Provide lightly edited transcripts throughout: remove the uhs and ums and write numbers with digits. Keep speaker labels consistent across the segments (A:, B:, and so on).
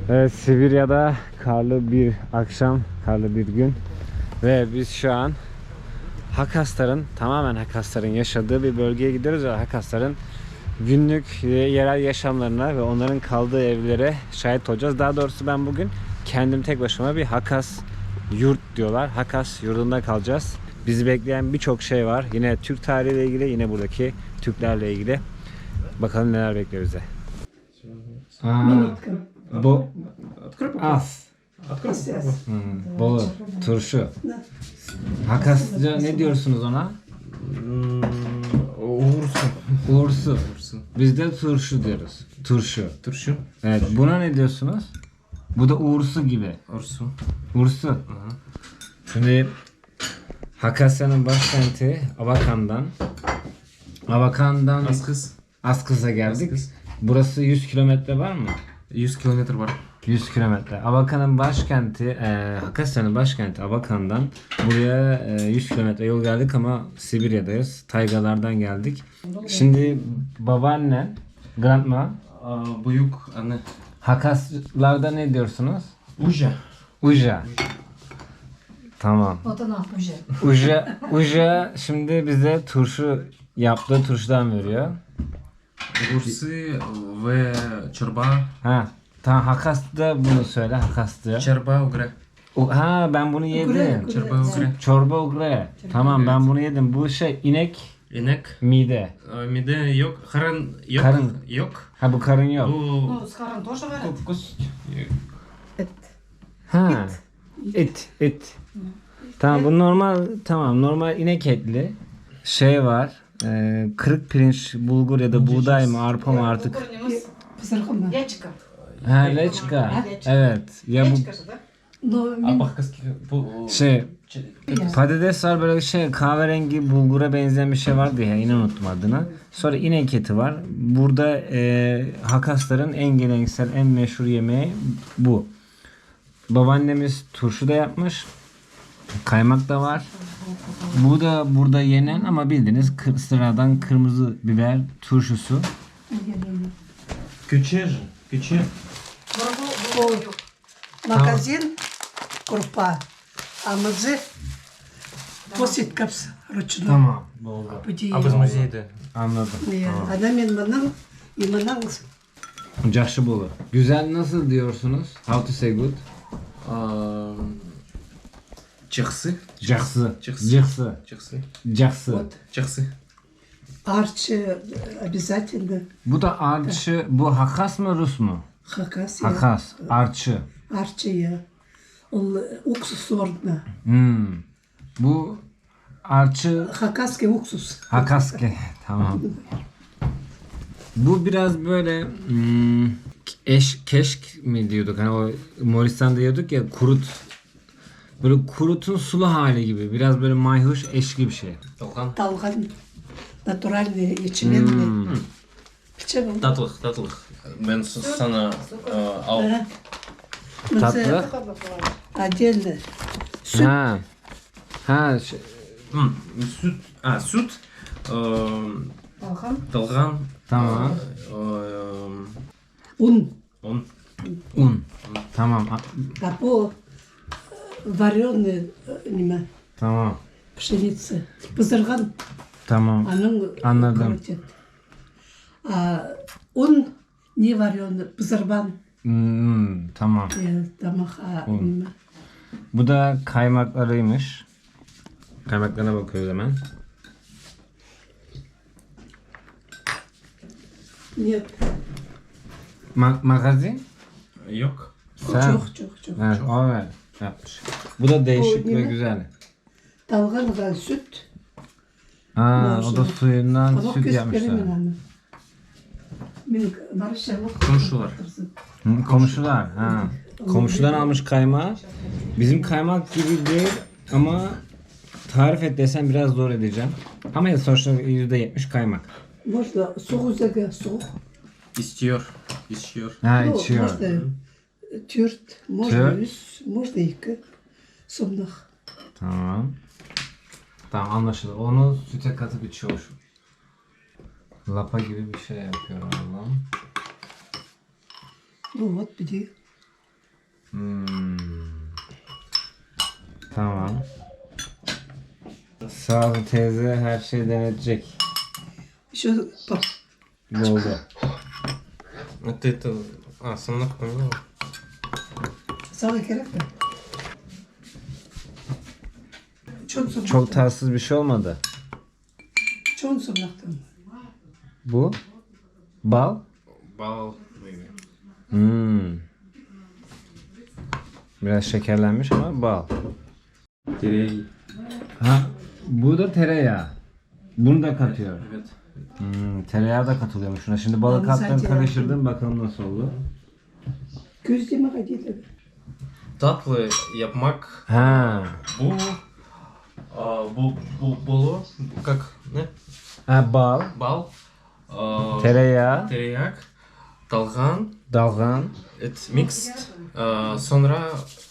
A: Evet, Sibirya'da karlı bir akşam, karlı bir gün ve biz şu an tamamen Hakasların yaşadığı bir bölgeye gidiyoruz ve Hakasların günlük yerel yaşamlarına ve onların kaldığı evlere şahit olacağız. Daha doğrusu ben bugün kendim tek başıma bir Hakas yurt diyorlar. Hakas yurdunda kalacağız. Bizi bekleyen birçok şey var. Yine Türk tarihiyle ilgili, yine buradaki Türklerle ilgili. Bakalım neler bekliyor bize. Bu as. Bolu, turşu. Hakasça ne diyorsunuz ona? Uğursu. Biz de turşu diyoruz. Turşu. Evet. Buna ne diyorsunuz? Bu da uğursu gibi. Ursu. Şimdi Hakasya'nın başkenti Abakan'dan Askız'a geldik. Burası 100 kilometre var mı?
B: 100 kilometre var.
A: 100 kilometre. Abakan'ın başkenti, Hakasya'nın başkenti Abakan'dan buraya 100 kilometre yol geldik ama Sibirya'dayız. Taygalardan geldik. Şimdi babaannen, grandma,
B: Büyük anne.
A: Hakaslarda ne diyorsunuz?
B: Uja.
A: Uja. Tamam.
C: Uja.
A: Uja şimdi bize turşu yaptığı turşudan veriyor.
B: Uğursu ve çorba.
A: Ha. Tamam, Hakas'ta bunu söyle. Hakas'ta.
B: Çorba ugre.
A: Ha, ben bunu yedim.
B: Çorba ugre.
A: Çorba ugre. Tamam, ben bunu yedim. Bu şey inek
B: İnek.
A: mide.
B: Mide yok. Karın yok.
A: Karın.
B: Yok.
A: Ha, bu karın yok.
B: Bu
C: С каром тоже варят?
B: kus.
A: Ha. Et. Tamam, bu normal inek etli. Şey var. Kırık pirinç, bulgur ya da buğday mı, arpa mı artık.
C: Писархом. Ячка.
A: Ha, leçka. Evet. Ya bu
C: Ячка же, да? Но
B: Abakkaski bu
A: şey patates var, böyle şey kahverengi bulgura benzeyen bir şey vardı ya, yine unuttum adını. Sonra inek eti var. Burada Hakasların en geleneksel, en meşhur yemeği bu. Babaannemiz turşu da yapmış. Kaymak da var. Bu da burada yenen ama bildiğiniz sıradan kırmızı biber turşusu.
B: küçür.
D: Магазин крупа, а мазы посыткапс ручной.
A: Tamam. Oldu.
D: Пуди.
B: Biz müzeyde.
A: Anladım.
D: Она мен мының, и мының
A: Cahşıbolu. Güzel nasıl diyorsunuz? How to say good?
B: Çıksı.
A: Cahsı.
B: Cıhsı.
A: Cahsı.
D: арчи обязательно.
A: Bu da arçı. Bu Hakas mı, Rus mu?
D: Хакас.
A: Hakas. Arçı.
D: Арчи я. Ол уксус сордна.
A: Bu arçı
D: Хакасский уксус.
A: Hakaske. Tamam. Bu biraz böyle keşk mi diyorduk? Hani o Moğolistan'da diyorduk ya, böyle kurutun sulu hali gibi. Biraz böyle mayhoş, eşki bir şey.
D: Талган. Натуральный ячменный. Печенье.
B: Tatlık. Ben sana al.
A: Tatlı.
D: Отдельно.
A: Ha.
B: Süt. Süt.
C: Талхан.
B: Dalgan.
A: Tamam.
D: Un.
A: Un. Tamam.
D: А по вареный
A: Tamam.
D: пшеница. Пызырган.
A: Tamam. Anladım.
D: Крутят. А он не вареный, пызырбан.
A: Tamam.
D: Тамаха.
A: Un. Bu da kaymaklarıymış. Kaymaklarına bakıyoruz hemen.
D: Нет.
A: Magazin?
B: Yok.
A: Sen?
D: Çok.
A: Evet, o yapmış. Bu da değişik
D: O
A: ve
D: ne?
A: güzel.
D: Талганған süt.
A: O da suyundan
D: Ama
A: süt
D: göz
A: yapmışlar.
D: veremem onu. Мен Маршалов.
B: Komşular.
A: Komşular. Komşudan almış kaymağı. Bizim kaymak gibi değil ama tarif et desem biraz zor edeceğim. Ama sonuçta %70 kaymak.
D: Можно сух үзеге сух.
B: İstiyor.
A: Ha,
D: Ну,
A: içiyor.
D: можно төрт, можно
A: Төрт.
D: үш, можно екі. Сомнақ.
A: Tamam. Tamam, anlaşıldı. Onu süte katıp içiyor şu. Lapa gibi bir şey yapıyor Allah'ım.
D: Ну вот, бери.
A: Tamam. Sağ ol teyze, her şeyi denetecek.
D: Еще бak.
A: Oldu.
B: Ты это... сомнак поменял?
D: Sana gerek mi? Çok
A: Çok tatsız bir şey olmadı.
D: Çok sumnaktım.
A: Bu? Bal?
B: Бал.
A: Biraz şekerlenmiş ama bal.
B: Терей.
A: Ha, bu da tereyağı. Bunu da katıyor.
B: Evet.
A: Tereyağı da katılıyormuş şuna. Şimdi balı
D: Abi
A: kattın,
D: sence
A: karıştırdın, bakalım nasıl oldu.
D: Gözleme kadar.
B: Tatlı yapmak.
A: Ha.
B: Bolu. Как? Ne?
A: Ha, bal,
B: Bal.
A: tereyağı,
B: Tereyak. Dalgan.
A: dalgan.
B: It mixed. Sonra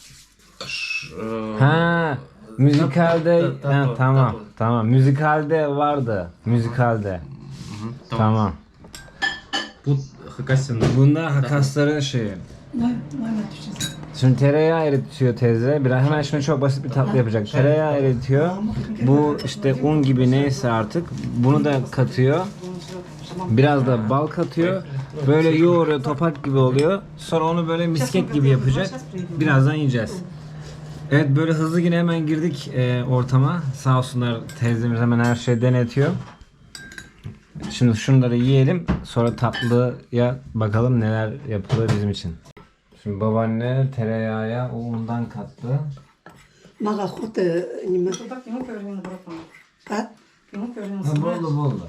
A: Ha, müzikalde
B: tatlı,
A: ha, tamam,
B: tatlı.
A: tamam. Müzikalde vardı. Müzikalde. Tamam.
B: Bu Hakasya'nın.
A: Bunda hakasların şeyi.
D: Vay Türkçesi.
A: Şimdi tereyağı eritiyor teyze. Biraz hemen şimdi çok basit bir tatlı yapacak. Tereyağı eritiyor. Bu işte un gibi neyse artık. Bunu da katıyor. Biraz da bal katıyor. Böyle yoğuruyor, topak gibi oluyor. Sonra onu böyle misket gibi yapacak. Birazdan yiyeceğiz. Evet, böyle hızlı yine hemen girdik ortama. Sağ olsunlar, teyzemiz hemen her şeyi denetiyor. Şimdi şunları yiyelim. Sonra tatlıya bakalım neler yapılır bizim için. Şimdi babaanne tereyağıya o undan kattı.
D: Maga hote nime.
C: Так ему повернул братан.
D: Kat.
C: Ему повернул
A: Ha, boldu boldu.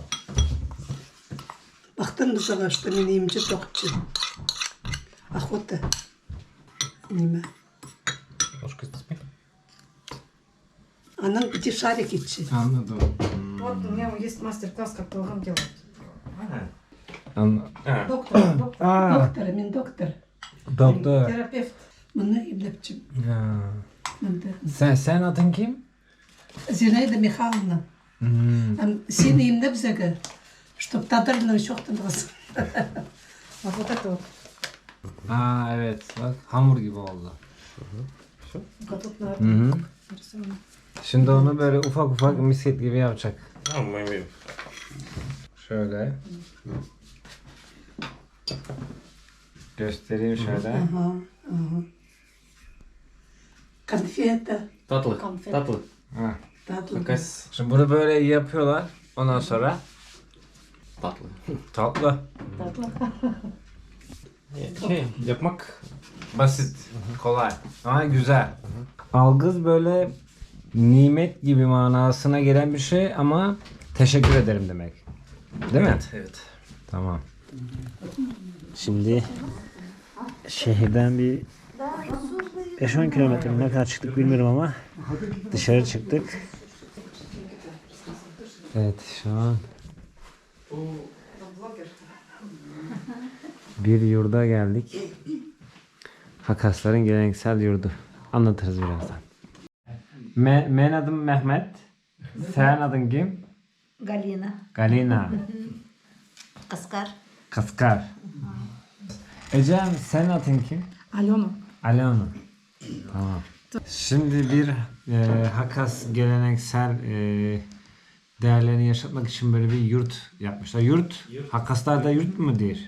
D: Baktın dışarı açtı beni yiyince tokçu. Ahhote. Nime.
B: Ложка с детьми.
D: Anan bir şarik içi.
A: Anladım.
C: Вот у меня есть мастер-класс, как долгом делать.
B: А,
C: Доктор,
D: Doktor, min doktor.
A: Doktor.
C: терапевт.
D: Bunu iblepçim.
A: Ha.
D: Ben de.
A: Sen adın kim?
D: Зинаида Михайловна. Сильно им да взяга. Чтоб тадырным шоқтын қыз.
C: Вот это вот.
A: Aa evet, bak hamur gibi oldu.
C: Вот тут на
A: Hı hı.
C: нарисовано.
A: Şimdi onu böyle ufak ufak misket gibi yapacak.
B: мы
A: Şöyle. Göstereyim şöyle.
D: Ага, ага. Конфета.
B: Tatlı.
C: Konfet.
B: Tatlı.
A: Ha.
D: Tatlı.
B: Hakas.
A: Şimdi bunu böyle yapıyorlar. Ondan sonra
B: Tatlı.
A: tatlı.
B: Yapmak
A: Basit, kolay ama güzel. Algız böyle nimet gibi manasına gelen bir şey ama teşekkür ederim demek. Değil mi?
B: evet.
A: Tamam. Şimdi şehirden bir 5-10 kilometre ne kadar çıktık bilmiyorum ama dışarı çıktık. Evet, şu an bir yurda geldik. Hakasların geleneksel yurdu. Anlatırız birazdan. Men adım Mehmet. Sen adın kim?
E: Галина.
A: Galina.
E: Каскар.
A: Kaskar. Ecem, sen adın kim?
C: Алена.
A: Alena. Tamam. Şimdi bir Hakas geleneksel değerlerini yaşatmak için böyle bir yurt yapmışlar. Yurt, Hakaslar'da yurt mu der?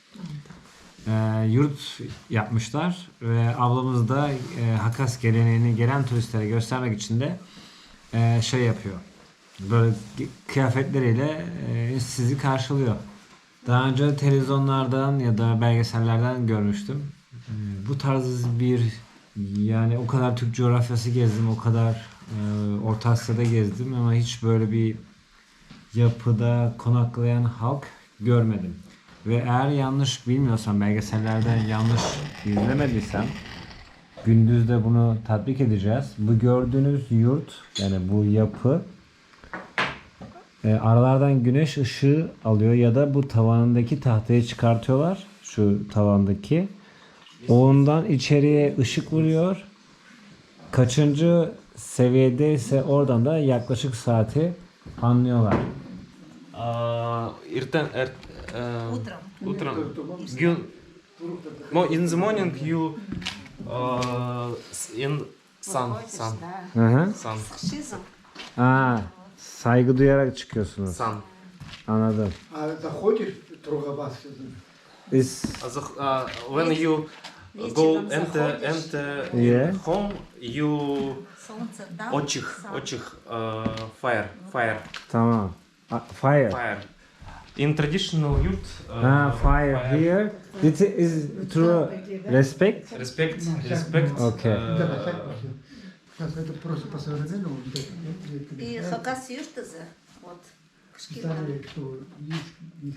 A: Yurt yapmışlar ve ablamız da Hakas geleneğini gelen turistlere göstermek için de şey yapıyor. Böyle kıyafetleriyle sizi karşılıyor. Daha önce televizyonlardan ya da belgesellerden görmüştüm. Bu tarz bir, yani o kadar Türk coğrafyası gezdim, o kadar Orta Asya'da gezdim ama hiç böyle bir yapıda konaklayan halk görmedim. Ve eğer yanlış bilmiyorsam, belgesellerden yanlış izlemediysem, gündüz de bunu tatbik edeceğiz. Bu gördüğünüz yurt, yani bu yapı aralardan güneş ışığı alıyor ya da bu tavanındaki tahtayı çıkartıyorlar. Şu tavandaki. Ondan içeriye ışık vuruyor. Kaçıncı seviyede ise oradan da yaklaşık saati anlıyorlar.
B: Утром. In the morning you in sun.
E: Выходишь,
B: Sun.
E: да.
A: Hı hı.
B: Sun.
E: С шизом.
A: Aa, saygı duyarak çıkıyorsunuz.
B: Sun.
A: Anladım.
F: А заходишь, Трогобас,
A: Is
B: When you go
E: Вечером
B: enter
E: заходишь.
A: Yeah.
B: home, you
E: Солнце дам.
B: очих
E: сам.
B: fire.
A: tamam. Fire.
B: Fire. In traditional yurt.
A: Fire here. This is true respect.
B: Respect.
A: Okay.
F: Сейчас это просто по-современному.
E: И хакас юштазы. Вот. Кышкилан.
F: Старые, кто есть.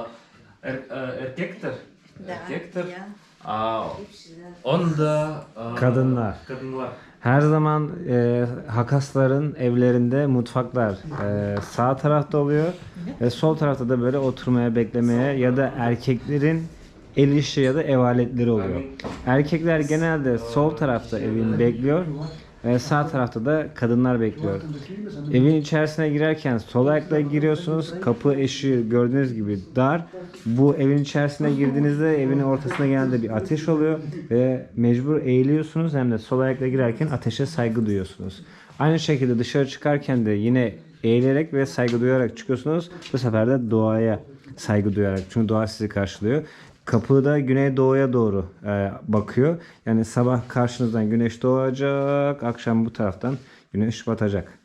B: Erkekler.
E: Да.
B: Erkekler.
E: Я. Бывший, да.
B: Onda
A: Kadınlar.
B: kadınlar.
A: Her zaman Hakasların evlerinde mutfaklar sağ tarafta oluyor ve sol tarafta da böyle oturmaya, beklemeye ya da erkeklerin el işi ya da ev aletleri oluyor. Erkekler genelde sol tarafta evin bekliyor ve sağ tarafta da kadınlar bekliyor. Evin içerisine girerken sol ayakla giriyorsunuz. Kapı eşiği gördüğünüz gibi dar. Bu evin içerisine girdiğinizde evin ortasında genelde bir ateş oluyor ve mecbur eğiliyorsunuz, hem de sol ayakla girerken ateşe saygı duyuyorsunuz. Aynı şekilde dışarı çıkarken de yine eğilerek ve saygı duyarak çıkıyorsunuz. Bu sefer de doğaya saygı duyarak. Çünkü doğa sizi karşılıyor. Kapı da güneydoğuya doğru bakıyor. Yani sabah karşınızdan güneş doğacak, akşam bu taraftan güneş batacak.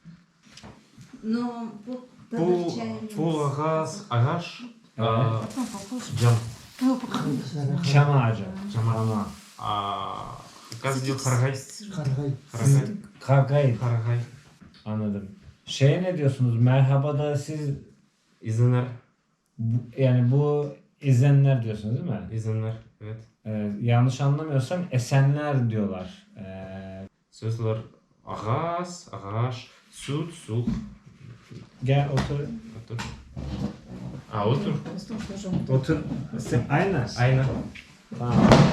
E: Но
B: Bu ağaç
E: потом покушай.
B: cam.
A: Çam ağacı. Çam.
B: Gaz diyor kargay.
F: Харгай.
A: Kargay.
B: Kargay.
A: Anladım. Şeye ne diyorsunuz? Merhabada siz
B: İzinler.
A: yani bu ezenler diyorsunuz değil mi?
B: İzinler. Evet.
A: Yanlış anlamıyorsam esenler diyorlar.
B: Sözler ağaç, süt, su.
A: Gel otur.
B: Otur. Otur.
A: Otur. Aynen.
B: Aynen.
A: Tamam.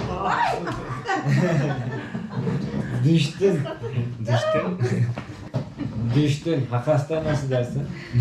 A: Düştün. Düştün. Hakas'ta nasıl dersin?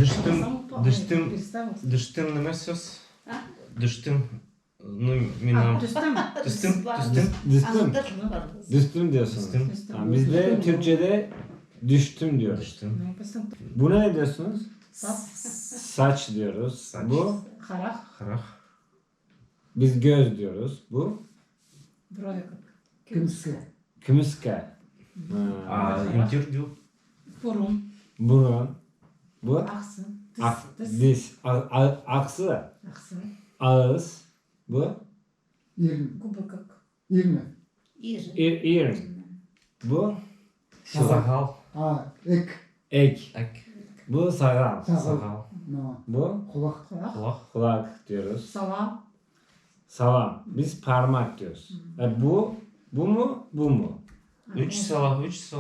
B: Düştüm ne söz? Düştüm. Minam. Düştüm.
A: Düştün.
E: Anlatır.
A: Düştüm diyorsunuz.
B: Düştüm.
A: Tamam, biz de Türkçe'de düştüm diyoruz.
B: Düştüm.
A: Buna ne diyorsunuz?
C: Sap.
A: Saç diyoruz.
B: Saç.
A: Bu
C: Харах.
B: Karak.
A: biz göz diyoruz. Bu
C: Брови как.
F: Кымска.
A: kümüske.
B: İntir diyor.
C: Бурун.
A: Burun. Bu
C: Ахсы.
A: diz. Aksı.
C: Ахсы.
A: Ağız. Bu
F: Ирн.
C: Губы как.
F: Ирна.
E: Иже.
A: ear. Bu
B: Sakal.
F: Эк.
A: ek.
B: Ek.
A: Bu sakal.
B: Sakal.
F: No.
A: Bu
F: Кулак.
C: Харах.
B: Kulak.
A: kulak diyoruz.
C: Сала.
A: Salam. Biz parmak diyoruz. Bu mu? Bu mu?
B: Üç sala.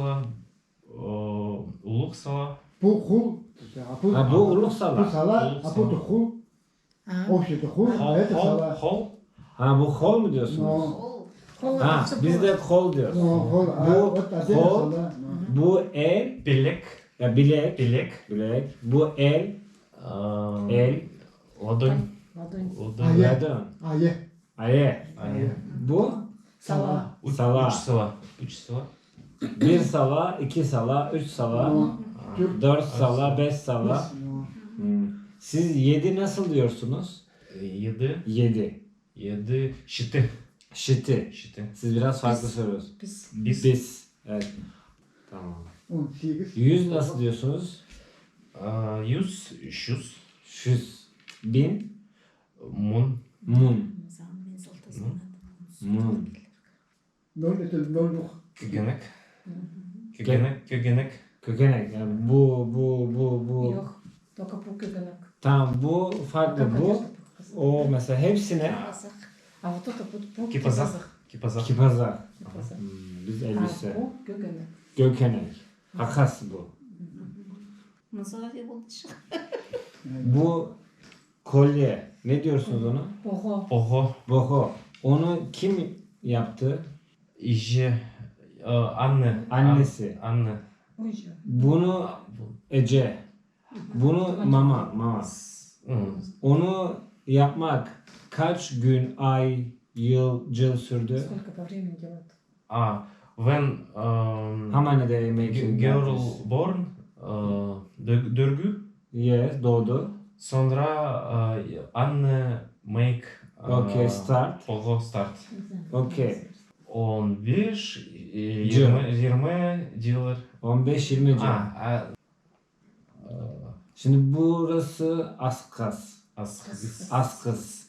B: Uluk sala.
F: Бу хул.
A: Ha, bu uluk sala.
F: Бу сала, а бу хул. Общий-то хул, а это сала.
B: Hol.
A: Ha, bu kol mu diyorsunuz?
F: Но.
C: Кола.
A: Ha, biz de kol diyoruz.
F: Но хул, а
A: Бу
F: вот отдельно
A: хол.
F: сала.
A: Bu el,
B: Bilek.
A: ya bilek.
B: Bilek.
A: Bilek. Bu el, el,
B: Ладонь.
C: Ладонь.
B: Ладонь.
F: Aya.
A: ladon.
F: Ае.
A: Aye.
B: Aya.
A: Bu
C: Сала.
A: Sala.
B: Üç sala.
A: bir sala, iki sala, üç sala,
F: Но. Türk.
A: 4 sala, 5 sala.
F: No.
A: Siz 7 nasıl diyorsunuz?
B: Yedi.
A: 7.
B: Şiti.
A: Şiti.
B: Şiti.
A: Siz biraz farklı söylüyorsunuz.
C: Пис.
A: Biz. Evet. Tamam.
F: 18.
A: 100 nasıl diyorsunuz?
B: Yüz. Şüz.
A: 100. 1000.
B: Mun.
A: Mun.
E: Мен золото знам.
A: Mun.
F: 0 это 0.
B: Kögenek. Kögenek.
A: Kökenek. Yani bu.
C: Йох. Только по кюбенок.
A: Tamam, bu farklı. Bu o mesela hepsine
C: А вот это по
B: Kipazak. Kipazak.
A: kipazak.
C: Кипазах.
A: Biz
C: А
A: elbise.
C: по кюбенок.
A: Gökenek. Hakas bu.
E: Назови лучше.
A: Bu kolye. Ne diyorsunuz ona?
C: Ого.
B: Poho.
A: Boho. Onu kim yaptı?
B: İje. Anne.
A: Annesi.
B: Anne.
C: Ой, же.
A: Bunu Ece. Bunu mama. Onu yapmak kaç gün, ay, yıl sürdü?
C: Сколько по времени делают?
B: When
A: How many they make
B: girl born, dörgü,
A: Yes, doğdu.
B: sonra anne make
A: Okay, start.
B: Oho, start.
A: Okay.
B: 15,
A: June.
B: 20 diyorlar.
A: 15-20 can. Şimdi burası Askas. Askas.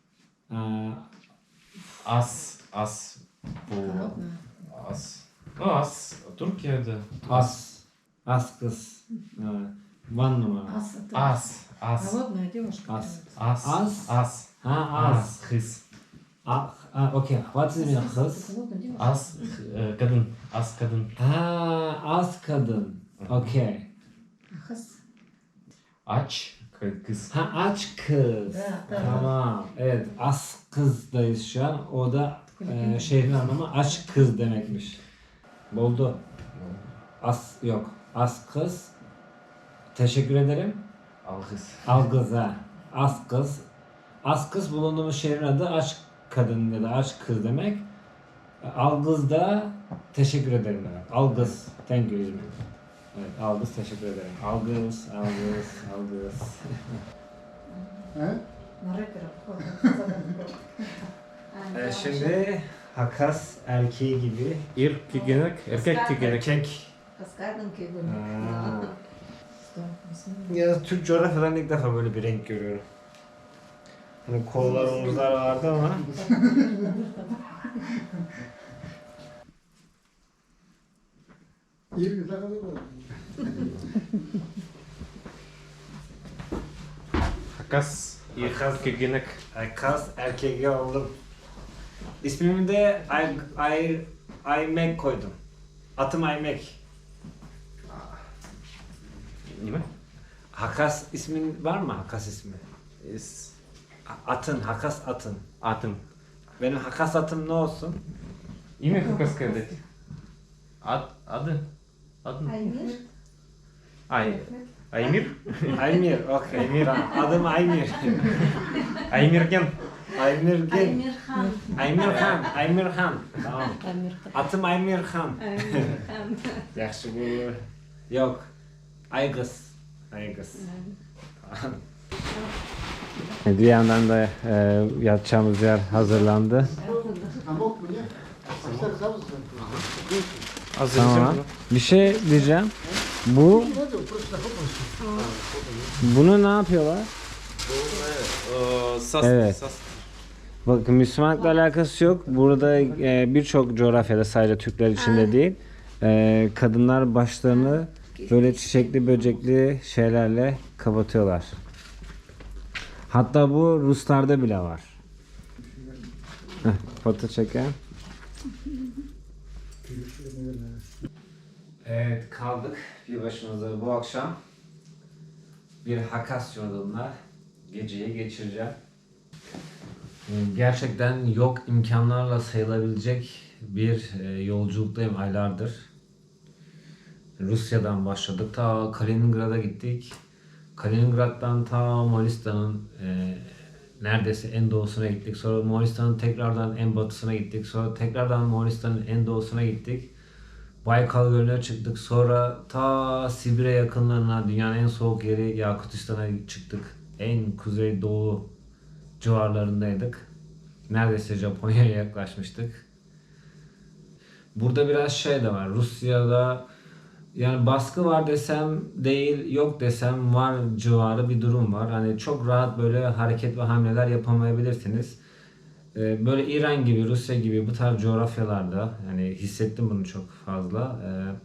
B: As. Bu as. As. Türkiye'de.
A: Askas. One numara.
C: Ас это
B: As.
C: холодная девушка.
A: As.
B: As. As.
A: As.
B: Kız.
A: Okay. What is mean kız?
C: Холодная девушка.
B: As. Kadın. As kadın.
A: Az kadın. Okay.
C: Хас.
B: Aç. Kız.
A: Aç kız.
C: Да, да.
A: Tamam. Evet. As kızdayız şu an. O da şehrin anlamı aç kız demekmiş. Oldu. As yok. As kız. Teşekkür ederim.
B: Al kız.
A: Al kız ha. As kız. As kız bulunduğumuz şehrin adı aç kadın ya da aç kız demek. Al kız da teşekkür ederim demek. Al kız. Thank you İzmir. Evet, al kız teşekkür ederim. Al kız, al kız, al kız.
F: He?
C: На рэпера похоже.
A: Şimdi Hakas erkeği gibi.
B: Erkek.
A: Erkek.
E: Каскадом кегун.
A: Ya Türk coğrafyalarında ilk defa böyle bir renk görüyorum. Hani kollar, omuzlar vardı ama
F: İyi bir takılı var.
B: Hakas.
A: Hakas.
B: Erkek.
A: Hakas erkeği oldum. İsmimi de Aymek koydum. Atım Aymek.
B: Ne mi?
A: Hakas ismin var mı? Hakas ismi. Atın, Hakas atın.
B: Atım.
A: Benim Hakas atım ne olsun?
B: İme Hakas сказать? Adı. Adın.
E: Аймир.
B: Aymir.
A: Aymir, okey. Tamam, adım Aymir.
B: Aymirgen.
A: Aymir gel.
E: Аймирхан.
A: Aymirhan, Aymirhan. Tamam.
C: Америка.
A: Atım Aymirhan.
E: Аймирхан.
A: Yaxşı bu. Yok. Aygız. Aygız. Bir yandan da yatacağımız yer hazırlandı.
F: Amok mu ne? Saçlar zavuz.
A: Tamam. Bir şey diyeceğim. Bu bunu ne yapıyorlar? Evet. Bakın Müslümanlıkla alakası yok. Burada birçok coğrafyada sadece Türkler için de değil. Kadınlar başlarını böyle çiçekli böcekli şeylerle kapatıyorlar. Hatta bu Ruslarda bile var. Foto çeken. Evet kaldık bir başımıza bu akşam. Bir Hakas yolunda geceyi geçireceğim. Gerçekten yok imkanlarla sayılabilecek bir yolculuktayım aylardır. Rusya'dan başladık. Ta Kaliningrad'a gittik. Kaliningrad'dan ta Moğolistan'ın neredeyse en doğusuna gittik. Sonra Moğolistan'ın tekrardan en batısına gittik. Sonra tekrardan Moğolistan'ın en doğusuna gittik. Baykal Gölü'ne çıktık. Sonra ta Sibirya yakınlarına, dünyanın en soğuk yeri Yakutistan'a çıktık. En kuzeydoğu civarlarındaydık. Neredeyse Japonya'ya yaklaşmıştık. Burada biraz şey de var. Rusya'da yani baskı var desem değil, yok desem var civarı bir durum var. Hani çok rahat böyle hareket ve hamleler yapamayabilirsiniz. Böyle İran gibi, Rusya gibi bu tarz coğrafyalarda yani hissettim bunu çok fazla.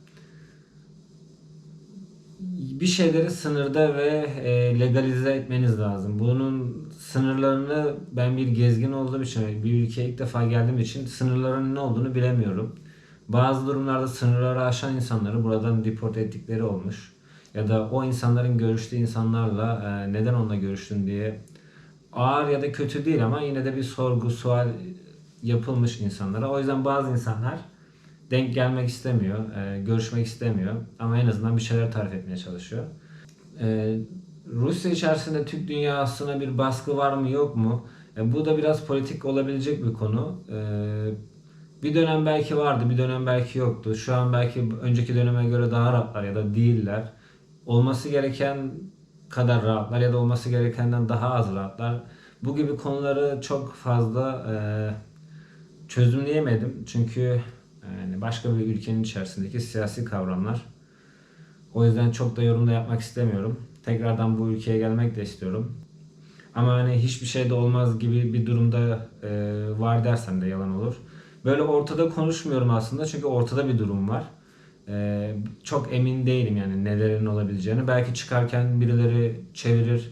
A: Bir şeyleri sınırda ve legalize etmeniz lazım. Bunun sınırlarını ben bir gezgin olduğum için, bir ülkeye ilk defa geldiğim için sınırların ne olduğunu bilemiyorum. Bazı durumlarda sınırları aşan insanları buradan deport ettikleri olmuş. Ya da o insanların görüştüğü insanlarla neden onunla görüştün diye ağır ya da kötü değil ama yine de bir sorgu, sual yapılmış insanlara. O yüzden bazı insanlar denk gelmek istemiyor, görüşmek istemiyor ama en azından bir şeyler tarif etmeye çalışıyor. Rusya içerisinde Türk dünyasına bir baskı var mı yok mu? Bu da biraz politik olabilecek bir konu. Bir dönem belki vardı, bir dönem belki yoktu. Şu an belki önceki döneme göre daha rahatlar ya da değiller. Olması gereken kadar rahatlar ya da olması gerekenden daha az rahatlar. Bu gibi konuları çok fazla çözümleyemedim. Çünkü yani başka bir ülkenin içerisindeki siyasi kavramlar. O yüzden çok da yorum da yapmak istemiyorum. Tekrardan bu ülkeye gelmek de istiyorum. Ama hani hiçbir şey de olmaz gibi bir durumda var dersem de yalan olur. Böyle ortada konuşmuyorum aslında çünkü ortada bir durum var. Çok emin değilim yani nelerin olabileceğini. Belki çıkarken birileri çevirir.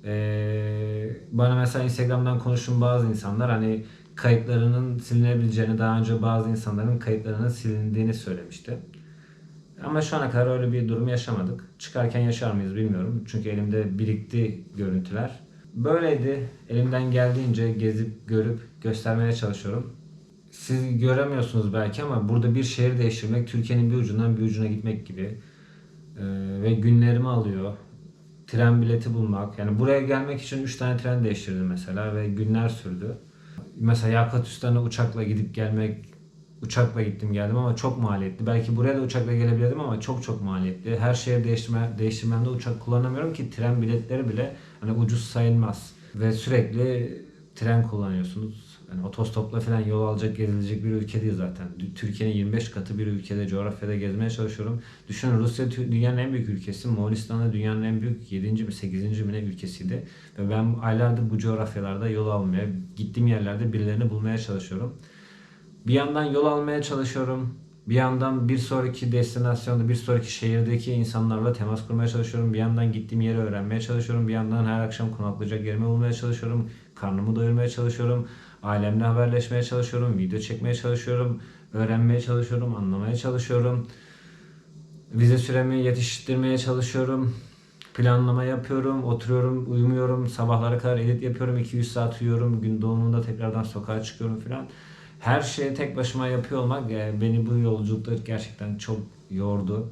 A: Bana mesela Instagram'dan konuşun bazı insanlar hani kayıtlarının silinebileceğini, daha önce bazı insanların kayıtlarının silindiğini söylemişti. Ama şu ana kadar öyle bir durum yaşamadık. Çıkarken yaşar mıyız bilmiyorum. Çünkü elimde birikti görüntüler. Böyleydi. Elimden geldiğince gezip görüp göstermeye çalışıyorum. Siz göremiyorsunuz belki ama burada bir şehir değiştirmek Türkiye'nin bir ucundan bir ucuna gitmek gibi. Ve günlerimi alıyor. Tren bileti bulmak. Yani buraya gelmek için 3 tane tren değiştirdim mesela ve günler sürdü. Mesela Yakutistan'a uçakla gidip gelmek, uçakla gittim geldim ama çok maliyetli. Belki buraya da uçakla gelebilirdim ama çok maliyetli. Her şehir değiştirmemde uçak kullanamıyorum ki tren biletleri bile hani ucuz sayılmaz. Ve sürekli tren kullanıyorsunuz. Yani otostopla falan yol alacak, gezilecek bir ülke değil zaten. Türkiye'nin 25 katı bir ülkede, coğrafyada gezmeye çalışıyorum. Düşünün Rusya dünyanın en büyük ülkesi. Moğolistan da dünyanın en büyük 7. mi 8. mi ne ülkesiydi. Ve ben aylardır bu coğrafyalarda yol almaya, gittiğim yerlerde birilerini bulmaya çalışıyorum. Bir yandan yol almaya çalışıyorum. Bir yandan bir sonraki destinasyonda, bir sonraki şehirdeki insanlarla temas kurmaya çalışıyorum. Bir yandan gittiğim yeri öğrenmeye çalışıyorum. Bir yandan her akşam konaklayacak yerimi bulmaya çalışıyorum. Karnımı doyurmaya çalışıyorum. Ailemle haberleşmeye çalışıyorum. Video çekmeye çalışıyorum. Öğrenmeye çalışıyorum. Anlamaya çalışıyorum. Vize süremi yetiştirmeye çalışıyorum. Planlama yapıyorum. Oturuyorum, uyumuyorum. Sabahlara kadar edit yapıyorum. 200 saat uyuyorum. Gün doğumunda tekrardan sokağa çıkıyorum falan. Her şeyi tek başıma yapıyor olmak beni bu yolculukta gerçekten çok yordu.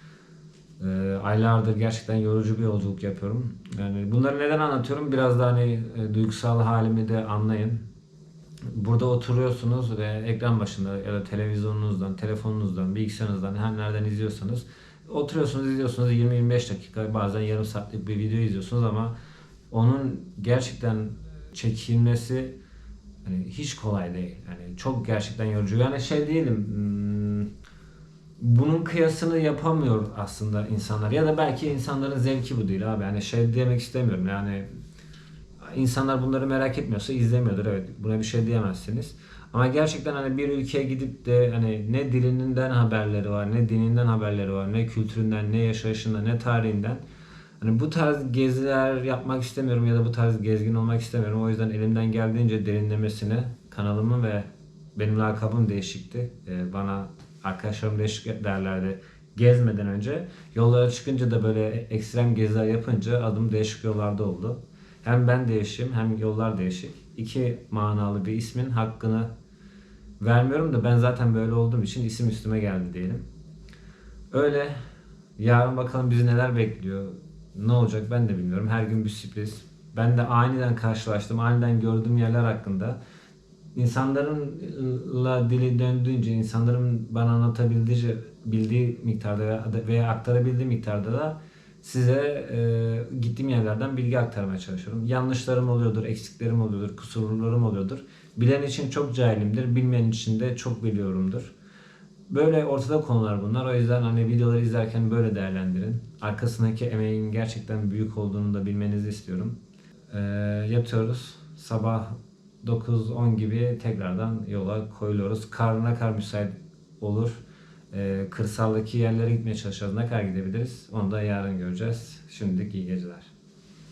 A: Aylardır gerçekten yorucu bir yolculuk yapıyorum. Yani bunları neden anlatıyorum? Biraz da hani duygusal halimi de anlayın. Burada oturuyorsunuz ve ekran başında ya da televizyonunuzdan, telefonunuzdan, bilgisayarınızdan her nereden izliyorsanız oturuyorsunuz, izliyorsunuz 20-25 dakika bazen yarım saatlik bir video izliyorsunuz ama onun gerçekten çekilmesi hani hiç kolay değil. Yani çok gerçekten yorucu. Yani şey diyelim, bunun kıyasını yapamıyor aslında insanlar. Ya da belki insanların zevki bu değil abi. Yani şey demek istemiyorum. Yani insanlar bunları merak etmiyorsa izlemiyordur. Evet, buna bir şey diyemezsiniz. Ama gerçekten hani bir ülkeye gidip de hani ne dilinden haberleri var, ne dininden haberleri var, ne kültüründen, ne yaşayışından, ne tarihinden. Hani bu tarz geziler yapmak istemiyorum ya da bu tarz gezgin olmak istemiyorum. O yüzden elimden geldiğince derinlemesine kanalımı ve benim lakabım değişikti. Bana arkadaşlarım değişik derlerdi gezmeden önce. Yollara çıkınca da böyle ekstrem geziler yapınca adım değişik yollarda oldu. Hem ben değişim hem yollar değişik. İki manalı bir ismin hakkını vermiyorum da ben zaten böyle olduğum için isim üstüme geldi diyelim. Öyle. Yarın bakalım bizi neler bekliyor. Ne olacak ben de bilmiyorum. Her gün bir sürpriz. Ben de aniden karşılaştım, aniden gördüğüm yerler hakkında. İnsanlarınla dili döndüğünce, insanların bana anlatabildiği bildiği miktarda veya aktarabildiği miktarda da size gittiğim yerlerden bilgi aktarmaya çalışıyorum. Yanlışlarım oluyordur, eksiklerim oluyordur, kusurlarım oluyordur. Bilen için çok cahilimdir, bilmeyen için de çok biliyorumdur. Böyle ortada konular bunlar. O yüzden hani videoları izlerken böyle değerlendirin. Arkasındaki emeğin gerçekten büyük olduğunu da bilmenizi istiyorum. Yatıyoruz. Sabah 9-10 gibi tekrardan yola koyuluyoruz. Kar ne kadar müsait olur. Kırsaldaki yerlere gitmeye çalışacağız. Ne kadar gidebiliriz? Onu da yarın göreceğiz. Şimdilik iyi geceler.